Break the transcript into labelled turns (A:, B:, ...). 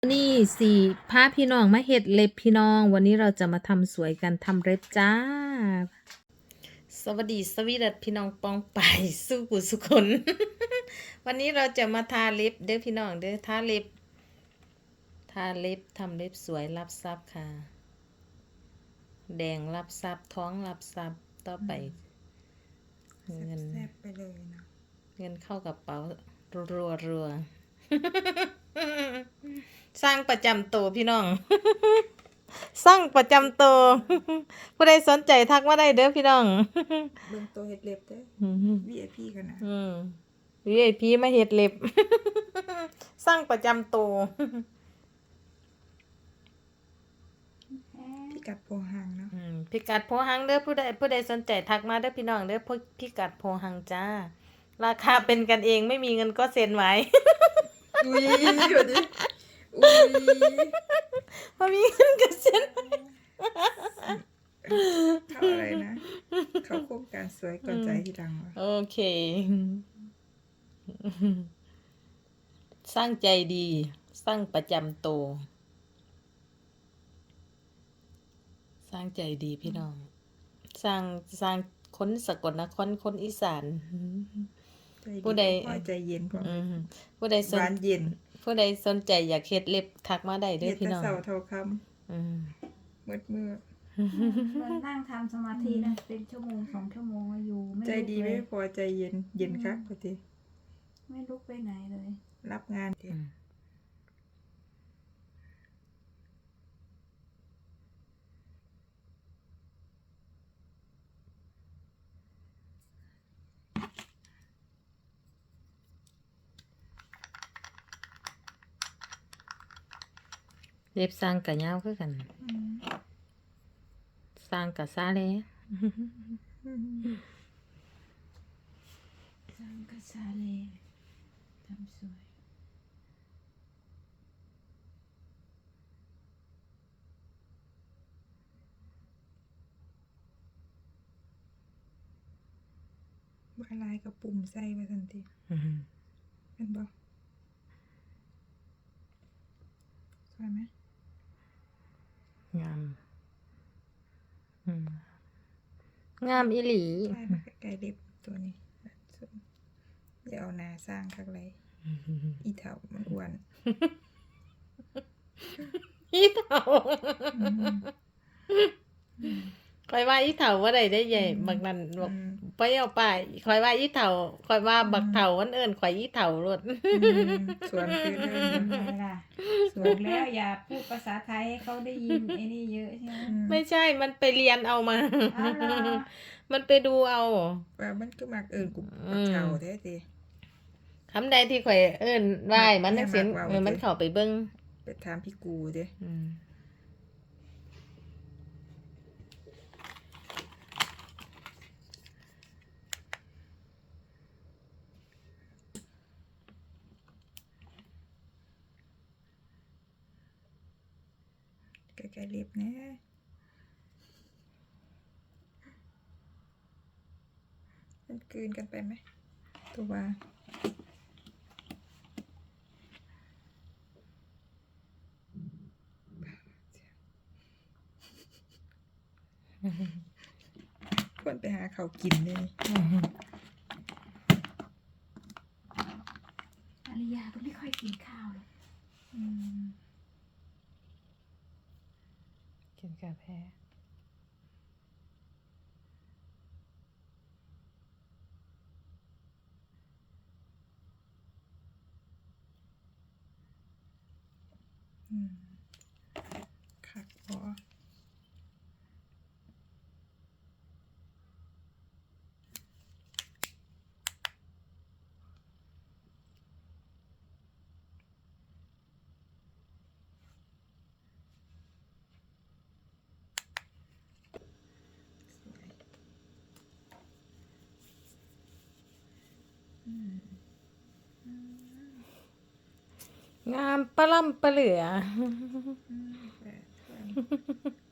A: นี่สี่พาพี่น้องมาเฮ็ดเล็บพี่น้องวันนี้เราจะมาทำสวยกันทำเล็บจ้าสวัสดีสวีดัสพี่น้องปองไปสู้กุสุคน วันนี้เราจะมาทาเล็บเด้อพี่น้องเด้อทาเล็บทำเล็บสวยรับทรัพย์ค่ะแดงรับทรัพย์ท้องรับทรัพย์ต่อไปเงิน
B: แซ่บไปเลยเนาะ
A: เงินเข้ากระเป๋ารัวสร้างประจำตัวพี่น้อง สร้างประจำตัว ผู้ใดสนใจทักมาได้เด้อพี่น้อง
B: เบิ่งตัวเฮ็ดเล็บเด้อ VIP กันนะ
A: VIP มาเฮ็ดเล็บ สร้างประจำตัว
B: พิกัดโพหังเนาะ
A: พิกัดโพหังเด้อผู้ใดสนใจทักมาเด้อพี่น้องเด้อพิกัดโพหังจ้าราคาเป็นกันเองไม่มีเงินก็เซ็นไว้
B: อุ้ยเดี๋ยวดิอุ้ย
A: พอมีเงินก็เซ็น
B: เข้าอะไรนะ เข้าโครงการสวยก่อนใจที่ดังวะ
A: โอเค สร้างใจดีสร้างประจำตัวสร้างใจดีพี่น้องสร้างคนสกลนครคนอีสาน
B: ใจ
A: ผู้ใด
B: พอใจเย็นพอ
A: ผู้ใด
B: หวานเย็น
A: ผู้ใดสนใจอยากเฮ็ดเล็บทักมาได้เด้
B: เฮ็
A: อ
B: ด
A: พี่
B: แต่
A: น้อง
B: เช้าเท่าค่
A: อืม
B: ำมืด
C: มันนั่งทำสมาธินะเป็นชั่วโมง2 ชั่วโมงอยู่ไม่
B: ใจ
C: ลุก
B: ดี
C: เล
B: ไม่
C: ย
B: พอใจเย็นเย็นคักพอดี
C: ไม่ลุกไปไหนเลย
B: รับงานดิ
A: เล็บสร้างกะยาวคือกัน สร้างกะซาเลย
C: สังกษาเลทำสวย
B: ว่าลายกับปุ่มใส่ไว้ทันทีเป็นบ่สวยไหม
A: งาม งามอีหลี
B: ใช่มาใกล้ๆเล็บตัวนี้อย่าเอาหนาสร้างคักไรอีเถามันอ้วน
A: อีเถาคอยว่าอีเถาว่าได้ใหญ่บักนั้นบอกไปเอาไปคอยว่าอีเถาคอยว่าบักเถาวันเอิ้นข่อยอีเถารถ
B: สวนคือเลย
C: ทำไมล่ะบอกแล้วอย่าพูดภาษาไทยให้เขาได้ยินไอ้นี่เยอะใช่ไหม
A: ไม่ใช่มันไปเรียนเอามา
C: อ๋อเหรอ
A: มันไปดูเอา
B: ว่ามันก็มักเอิญกูปักเถาแท้ที
A: คำใดที่ข่อยเอิ้นไหว้มันนักเสียน
B: แม่มักเว้า
A: มันเข้าไปเบิ่ง
B: ไปถามพี่กูเด้ใกล้ๆเล็บนะมันกลืนกันไปไหมตัวว่าควรไปหาเขาวกินเลย
C: อริยาก็ไม่ค่อยกินข้าวหรอก
A: กินกาแฟ
B: คักพอ
A: งามปะล่ำปะเหลือ
B: แบบ